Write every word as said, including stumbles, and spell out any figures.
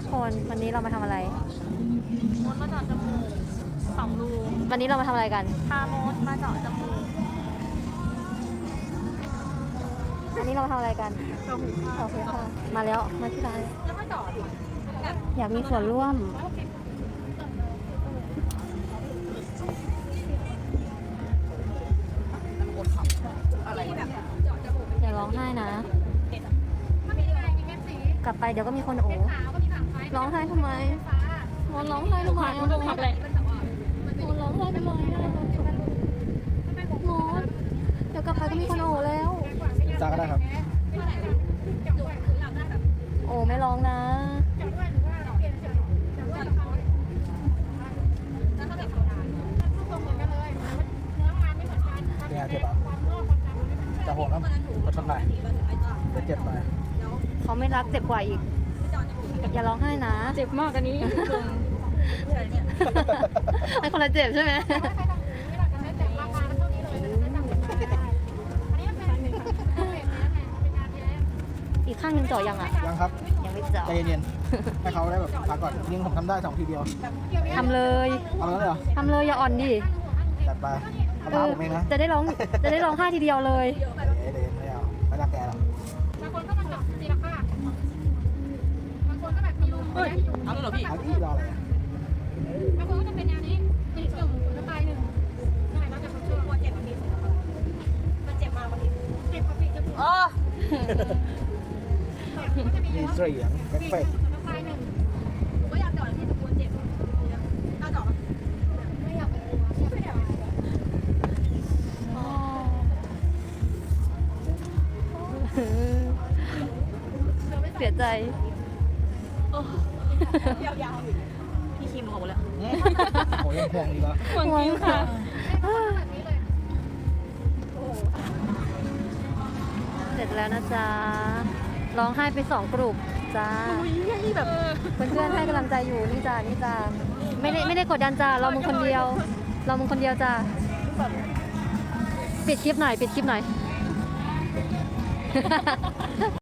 คนวันนี้เรามาทำอะไรมดมาเจาะจมูกสองรูวันนี้เรามาทำอะไรกันพามดมาเจาะจมูกวันนี้เรามาทำอะไรกันเจาะหูค่ะโอเคค่ะมาแล้วมาที่ร้านแล้วมาเจาะดิอยากมีส่วนร่วมอย่าร้องไห้นะกลับไปเดี๋ยวก็มีคนโอ้ร้องไห้ทำไมมอนร้องไห้ทำไมมอนร้องไห้ทำไมมอนร้องไห้ทำไมมอนเดี๋ยวกลับไปก็มีคนโอ้แล้วจ้าก็ได้ครับโอ้ไม่ร้องนะเนี่ยเจ็บอ่ะจะห่วงครับก็ชนไหนจะเจ็บหน่อยเขาไม่รักเจ็บกว่าอีกอย่าร้องไห้นะเจ็บมากอันนี้ไอ้คนละเจ็บใช่ไหมอีกข้างหนึงเจาะยังอ่ะยังครับยังไม่เจาะใจเย็นๆให้เขาได้แบบพักก่อนยิงผมทำได้สองทีเดียวทำเลยเอาแล้วเหรอทำเลยอย่าอ่อนดิจัดไปเอาเอท้าอผมเองนะจะได้ร้องจะได้ร้องไห้ทีเดียวเลยเดี๋ยวเดี๋ยวไม่เอาไม่รักแกหรอกบางคนก็มาเจาะทีละข้างบางคนก็แบบมีรูเฮ้ยเอาเลยเหรอพี่เอาอีกรออะไรอ่ะบางคนก็จะเป็นแนวนี้ตีหนึ่งแล้วปลายหนึ่งยังไงเราจะเขาช่วยกลัวเจ็บแบบนี้มันเจ็บมากกว่านี้เจ็บกว่าปีจะปวดอ๋อมีเสียงเอฟเฟกต์แล้วปลายหนึ่งผมก็อยากเจาะที่จะกลัวเจ็บน่าเจาะไม่อยากไปกลัวไม่อยากเสียใจยาวๆพี่คิมโหแล้วโอ้ยยังห่วงอีกเหรอห่วงจริงค่ะ เสร็จแล้วนะจ๊ะ ร้องไห้ไปสองกลุ่มจ้านี่แบบเพื่อนๆให้กำลังใจอยู่นี่จ้านี่จ้าไม่ได้ไม่ได้กดดันจ้าเรามึงคนเดียว เรามึงคนเดียวจ้าปิดคลิปหน่อยปิดคลิปหน่อย